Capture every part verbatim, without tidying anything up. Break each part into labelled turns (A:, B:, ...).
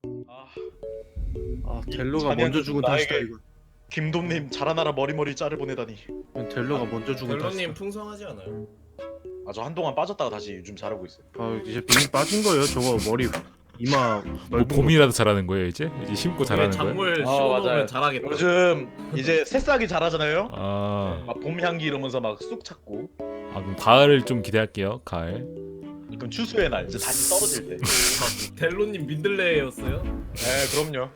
A: 아,
B: 아 델로가
A: 자네한테
B: 먼저 죽은
A: 나에게-
B: 탓이다 이거.
A: 김돔님 자라나라 머리머리 짤을 보내다니.
B: 델로가 먼저 죽은
C: 델로님
B: 탓이다.
C: 풍성하지 않아요?
A: 아, 저 한동안 빠졌다가 다시 요즘 잘하고 있어요.
B: 아 이제 빙 빠진 거예요. 저거 머리 이마
D: 뭐
B: 넓은 거.
D: 봄이라도 잘하는 거예요 이제? 이제 심고 잘하는 거예요?
C: 작물
A: 아,
C: 씌워놓으면
A: 맞아요.
C: 잘하겠다.
A: 요즘 이제 새싹이 자라잖아요.
D: 아,
A: 막 봄 향기 이러면서 막 쑥 찾고.
D: 아 그럼 가을 좀 기대할게요. 가을.
A: 그럼 추수의 날 이제 다시 떨어질 때.
C: 델로님 민들레였어요?
A: 네, 그럼요.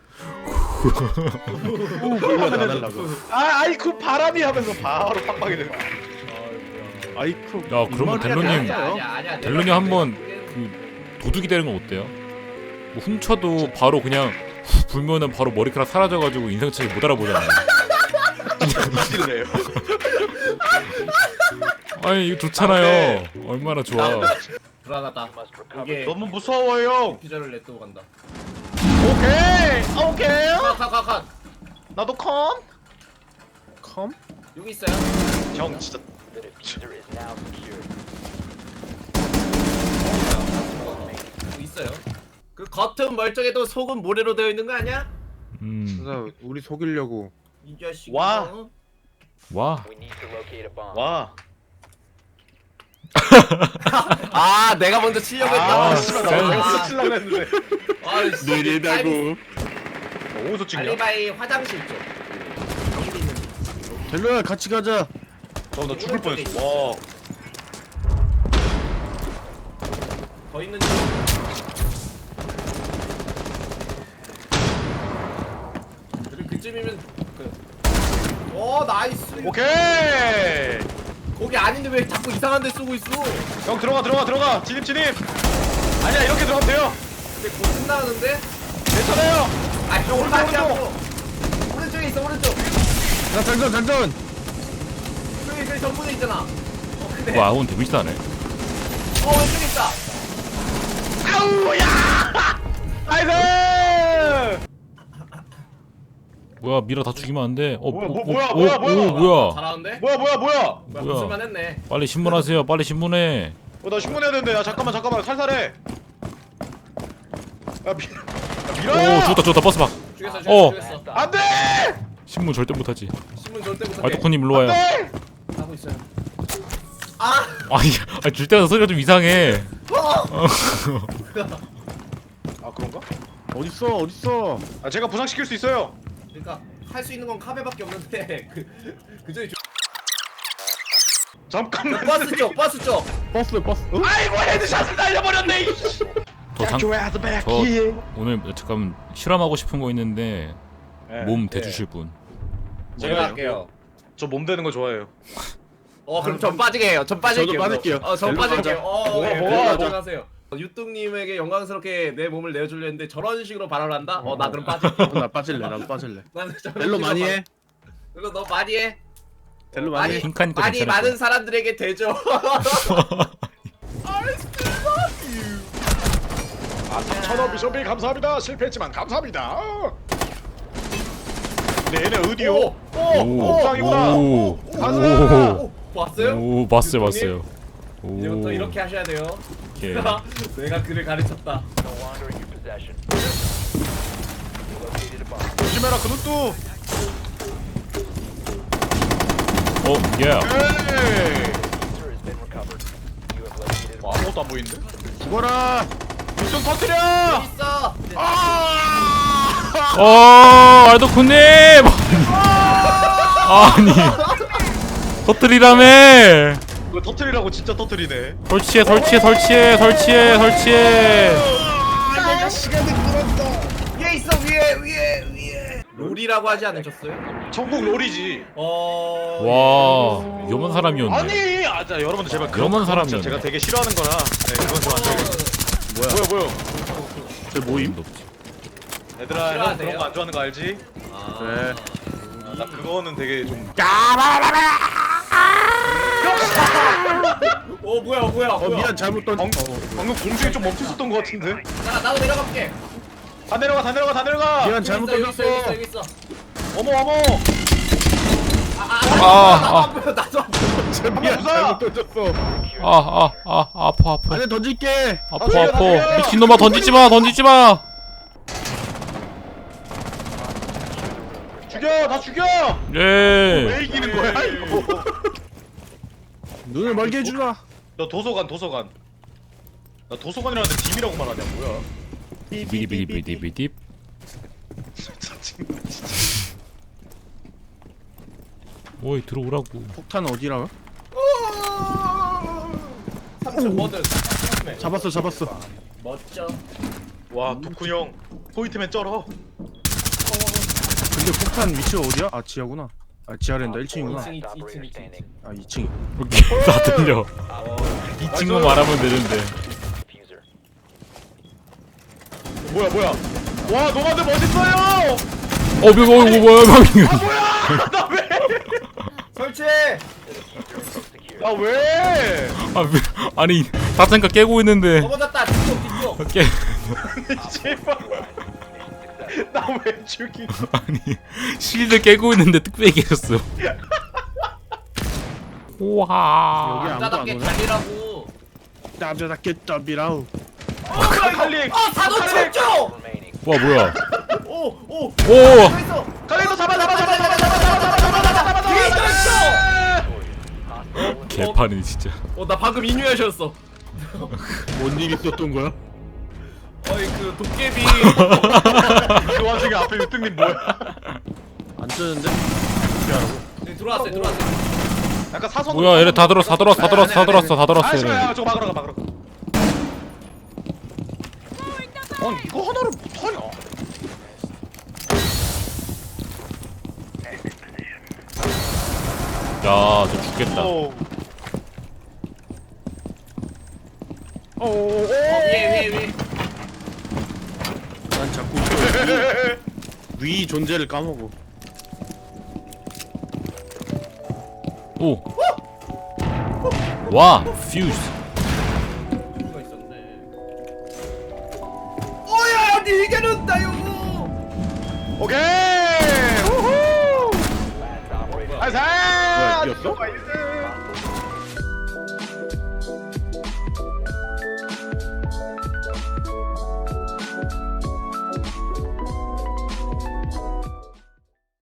B: 후 불러 안 하려고.
A: 아, 아이 그 바람이 하면서 바로 팍팍이 되고.
B: 아이쿠.
D: 야, 그러면
B: 입맛이
D: 델로님-
B: 아니야.
C: 아니야 아니야.
D: 델로님 한번 그 도둑이 되는 건 어때요? 뭐 훔쳐도 바로 그냥 후 불면은 바로 머리카락 사라져가지고 인상착의 못 알아보잖아요.
A: 싫네요.
D: 아니 이거 좋잖아요. 얼마나 좋아.
C: 불안하다. 이게
A: 너무 무서워요.
C: 피자를 냅두고 간다.
A: 오케이, 오케이.
C: 컷컷컷.
A: 나도 컴.
B: 컴?
C: 여기 있어요.
A: 형 진짜.
C: 여기 있어요. 그 겉은 멀쩡해도 속은 모래로 되어 있는 거 아니야?
D: 음,
B: 진짜 우리 속이려고.
C: 이 자식.
A: 와.
D: 와.
A: 와.
C: 아 내가 먼저 치려고 했다.
A: 아,
D: 아,
A: 씨발
D: 진짜.
A: 나 어디서 칠라고 했는데.
C: 아, 씨.
B: 느리다고.
A: 어디서 찍냐?
C: 알리바이 화장실 쪽. 여기 있는.
B: 델로야 같이 가자.
A: 저 나 죽을 뻔했어. 와.
C: 더 있는 쪽. 그리고 그쯤이면 그. 오 나이스.
A: 오케이.
C: 거기 아닌데 왜 자꾸 이상한 데 쓰고 있어?
A: 형 들어가 들어가 들어가. 진입 진입. 아니야 이렇게 들어가면 돼요.
C: 근데 곧 끝나가는데?
A: 괜찮아요.
C: 아 형 오른쪽
A: 오른쪽,
C: 오른쪽. 오른쪽에 있어 오른쪽.
B: 자 장전 장전.
C: 저기 저기 전문에 있잖아. 어 근데.
D: 와, 오늘 데미지 나네.
C: 어 왼쪽에 있다.
A: 아우야. 나이스.
D: 뭐야, 미라 다 죽이면 안 돼. 어,
A: 뭐야,
D: 뭐,
A: 뭐, 뭐야,
D: 오,
A: 뭐야,
D: 오,
A: 뭐야.
D: 뭐야.
C: 잘하는데?
A: 뭐야 뭐야 뭐야.
C: 뭐야
D: 뭐야.
C: 무술만 했네.
D: 빨리 신문하세요. 빨리 신문해.
A: 어, 나 신문해야 되는데. 야 잠깐만 잠깐만 살살해. 야 미. 야, 미라야.
D: 오, 죽었다, 죽었다. 버스 박.
C: 죽였어
D: 어.
C: 죽였어 죽였어.
A: 안돼.
D: 신문 절대 못하지.
C: 신문 절대 못해.
D: 알토코님 일로 와요.
A: 안돼.
C: 하고 있어요. 아!
D: 아니, 아니 줄 때마다 소리가 좀 이상해.
A: 아 그런가?
B: 어딨어 어딨어.
A: 아 제가 부상시킬 수 있어요.
C: 그러니까 할 수 있는 건 카베밖에 없는데 그 그저기
A: 잠깐만.
C: 버스 쪽 버스 쪽.
B: 버스 버스. 어?
A: 아이고 헤드샷을 날려버렸네.
D: 더 장,
A: your ass back
D: 저
A: here.
D: 오늘 잠깐 실험하고 싶은 거 있는데
A: 네,
D: 몸
A: 네.
D: 대주실 분.
C: 제가 할게요.
A: 저 몸 되는 거 좋아해요.
C: 어 그럼 전 빠지게 해요. 전 빠질게요.
B: 저도 빠질게요.
C: 어전
B: 델로
C: 빠질게요.
B: 가자.
C: 어
A: 뭐야,
C: 예,
A: 뭐야,
C: 델로 하세요. 유뚱님에게 영광스럽게 내 몸을 내어주려 했는데 저런 식으로 발언을 한다? 어 나 그럼 빠질게.
B: 어, 나 빠질래 나도 빠질래.
C: 나는 저런
B: 델로
C: 식으로
B: 많이
C: 발-
B: 해.
C: 그거 너 많이 해.
B: 델로
C: 많이
B: 많이 해.
D: 핑크하니까
C: 많이
D: 괜찮을
C: 많은 사람들에게 되죠.
A: 아 삼천원 비숍이 감사합니다. 실패했지만 감사합니다. 근데 얘네 어디요?
C: 오, 오,
A: 옥상이구나.
D: 오,
A: 가자.
D: 오,
C: 오, 봤어요?
D: 오, 봤어요,
C: 유통님?
D: 봤어요. 오,
C: 이제부터 이렇게 하셔야 돼요.
D: 예.
C: 내가 그를 가르쳤다.
A: 조심해라 그 눈도.
D: 어, 예.
A: 에이. 와 아무것도 안 보이는데?
B: 죽어라.
A: 좀 터뜨려.
C: 있어.
D: 어, 알도코님. 아니, 터뜨리라며.
A: 이거 터뜨리라고 진짜 터뜨리네.
D: 설치해, 설치해, 설치해, 설치해, 설치해.
C: 위에 있어 위에 위에 위에. 롤이라고 하지 않으셨어요?
A: 전국 롤이지.
C: 어.
D: 와, 위험한 사람이었네.
A: 아니, 아, 자, 여러분들 제발 그런
D: 위험한
A: 거 진짜
D: 사람이었네.
A: 제가 되게 싫어하는 거라. 네, 그건 좀 안 좋아요. 뭐야, 뭐야?
B: 저 모임?
D: 없지.
A: 얘들아, 형
C: 싫어하세요?
A: 그런 거 안 좋아하는 거 알지?
C: 아.
B: 그래.
A: 아, 나 그거는 되게 좀.
C: 어 뭐야 뭐야
B: 어
C: 뭐야.
B: 미안 잘못 던.
A: 방, 방금 공중에 좀 멈췄었던 것 같은데.
C: 자 나도 내려갈게.
A: 다 내려가, 다 내려가, 다 내려가.
B: 미안
C: 여기
B: 잘못
C: 있어, 여기 있어 여기 있어
B: 던졌어.
C: 여기 있어.
A: 어머, 어머.
C: 아, 아,
D: 아,
C: 나도
D: 아.
C: 안 보여 나도 안 보여.
B: 미안
A: 부숴!
B: 잘못 던졌어.
D: 아, 아, 아, 아파, 아파.
B: 안에 던질게.
D: 아파,
A: 던져,
D: 아파.
A: 던져.
D: 미친놈아, 던지지 마, 던지지 마.
A: 죽여 다 죽여.
D: 예.
A: 왜 이기는 거야 이거?
B: 눈을 멀게 해주라.
A: 너 도서관 도서관. 나 도서관이라는데 딥이라고 말하냐 뭐야?
D: 비디비디비디비디.
A: 짜증나 진짜.
D: 오이 들어오라고.
B: 폭탄 어디라고?
C: 삼 층 뭐든.
B: 잡았어 잡았어.
C: 멋져.
A: 와 도쿠 형 포인트맨 쩔어.
B: 근데 폭탄 위치가 어디야? 아 지하구나. 아 지하랜다 일 층이구나.
C: 이 층, 이 층, 이 층, 이 층.
B: 아 이 층.
D: 오케이 다 들려. 이 친구 말하면 되는데.
A: 뭐야 뭐야? 와 노마드 멋있어요.
D: 어 뭐, 뭐, 뭐, 뭐야 방금.
A: 아 뭐야? 나 왜?
C: 설치해.
A: 나 왜?
D: 아 왜- 아니 다창가 깨고 있는데.
C: 넘어졌다. 뒤쪽, 뒤쪽.
D: 깨.
A: 제발. 나 왜 죽이?
D: 아니 실드 깨고 있는데 뚝배기 깨졌어. 와.
B: 여기 아무도 안
C: 남자답게
B: 오네.
C: 달리라고.
B: 남자답게 더비라우.
A: 칼리.
C: 어, 사도 출조.
D: 와 뭐야?
C: 오, 오.
D: 오.
C: 있어.
A: 칼리도 잡아 잡아 잡아 잡아 잡아 잡아 잡아 잡아 잡아
C: 뒤에 있어.
D: 개판이네 진짜.
C: 어, 나 방금 인유하셨어.
B: 뭔일 있었던 거야?
C: 어이 그 도깨비.
A: 그 와중에 앞에 유등님 뭐야?
B: 안 뜨는데?
C: 네, 들어왔어요, 들어왔어요.
A: 약간 사선.
D: 뭐야 얘네 다 들었어 다 들었어 다 들었어 다 들었어 다 들었어
A: 아
D: 얘네.
A: 씨발 저거 막으러 가 막으러. 아니 이거 하나를 못하냐?
D: 야저 죽겠다.
A: 어.
C: 어, 위에, 위에, 위에.
B: 난 자꾸 위, 위 존재를 까먹어.
D: 오. 와 퓨즈.
C: 누가 있었네. 오야, 니 이겨낸다요.
A: 오케이. 우후.
B: 뭐야,
A: 아사.
B: 이겼어?